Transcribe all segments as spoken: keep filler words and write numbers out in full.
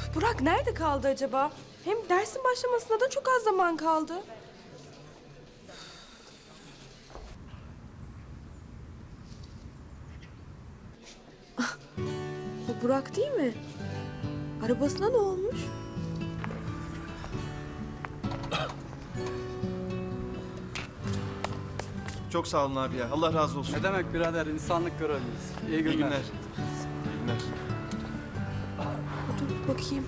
Burak nerede kaldı acaba? Hem dersin başlamasına da çok az zaman kaldı. Ah, bu Burak değil mi? Arabasına ne olmuş? Çok sağ olun abi ya. Allah razı olsun. Ne demek birader, insanlık görevliyiz. İyi günler. İyi günler. İyi günler. Dur bakayım.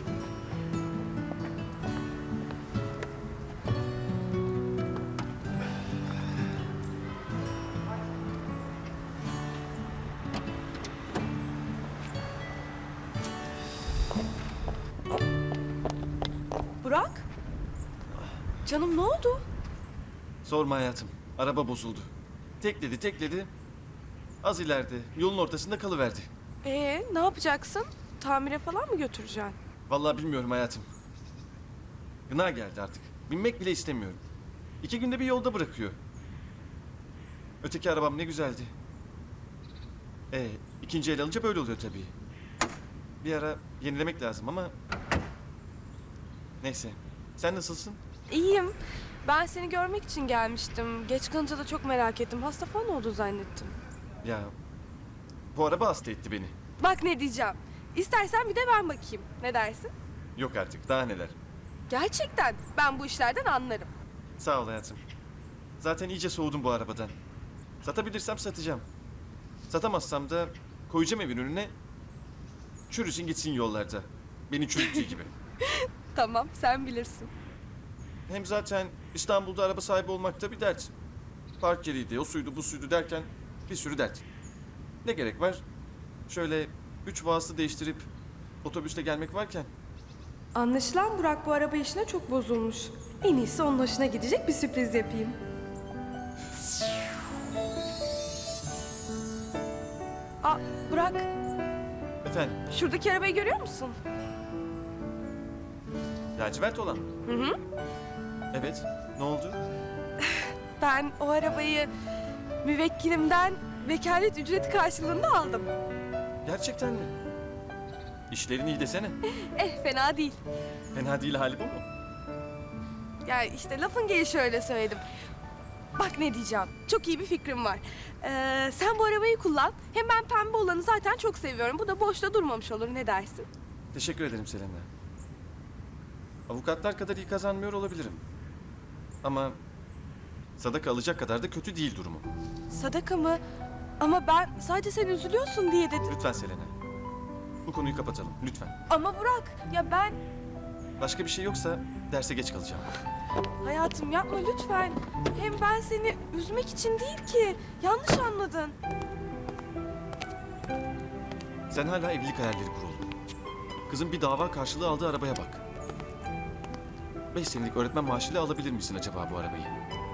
Burak? Canım ne oldu? Sorma hayatım. Araba bozuldu. Tekledi tekledi. Az ileride yolun ortasında kalıverdi. Ee, ne yapacaksın? Tamire falan mı götüreceksin? Vallahi bilmiyorum hayatım. Gına geldi artık. Binmek bile istemiyorum. İki günde bir yolda bırakıyor. Öteki arabam ne güzeldi. Ee, ikinci el alınca böyle oluyor tabii. Bir ara yenilemek lazım ama... Neyse. Sen nasılsın? İyiyim. Ben seni görmek için gelmiştim. Geç kalınca da çok merak ettim. Hasta falan oldu zannettim. Ya... Bu araba hasta etti beni. Bak ne diyeceğim. İstersen bir de ben bakayım. Ne dersin? Yok artık. Daha neler. Gerçekten ben bu işlerden anlarım. Sağ ol hayatım. Zaten iyice soğudum bu arabadan. Satabilirsem satacağım. Satamazsam da koyacağım evin önüne. Çürüsün gitsin yollarda. Beni çürüttüğü gibi. Tamam, sen bilirsin. Hem zaten İstanbul'da araba sahibi olmak da bir dert. Park yeriydi, o suydu, bu suydu derken bir sürü dert. Ne gerek var? Şöyle üç vasıta değiştirip otobüste gelmek varken. Anlaşılan Burak bu araba işine çok bozulmuş. En iyisi onun hoşuna gidecek bir sürpriz yapayım. Aa, Burak, Efendim, şuradaki arabayı görüyor musun? lacivert olan mı? Hı hı. Evet, ne oldu? Ben o arabayı müvekkilimden vekalet ücreti karşılığında aldım. Gerçekten mi? İşlerin iyi desene. Eh, fena değil. Fena değil hali bu mu? Yani işte lafın gelişi öyle söyledim. Bak ne diyeceğim. Çok iyi bir fikrim var. Ee, sen bu arabayı kullan. Hem ben pembe olanı zaten çok seviyorum. Bu da boşta durmamış olur. Ne dersin? Teşekkür ederim Selena. Avukatlar kadar iyi kazanmıyor olabilirim. Ama sadaka alacak kadar da kötü değil durumu. Sadaka mı? Ama ben sadece sen üzülüyorsun diye dedim. Lütfen Selena. Bu konuyu kapatalım lütfen. Ama Burak, ya ben... Başka bir şey yoksa derse geç kalacağım. Hayatım yapma lütfen. Hem ben seni üzmek için değil ki. Yanlış anladın. Sen hala evlilik hayalleri kuruldu. Kızın bir dava karşılığı aldığı arabaya bak. Beş senelik öğretmen maaşıyla alabilir misin acaba bu arabayı?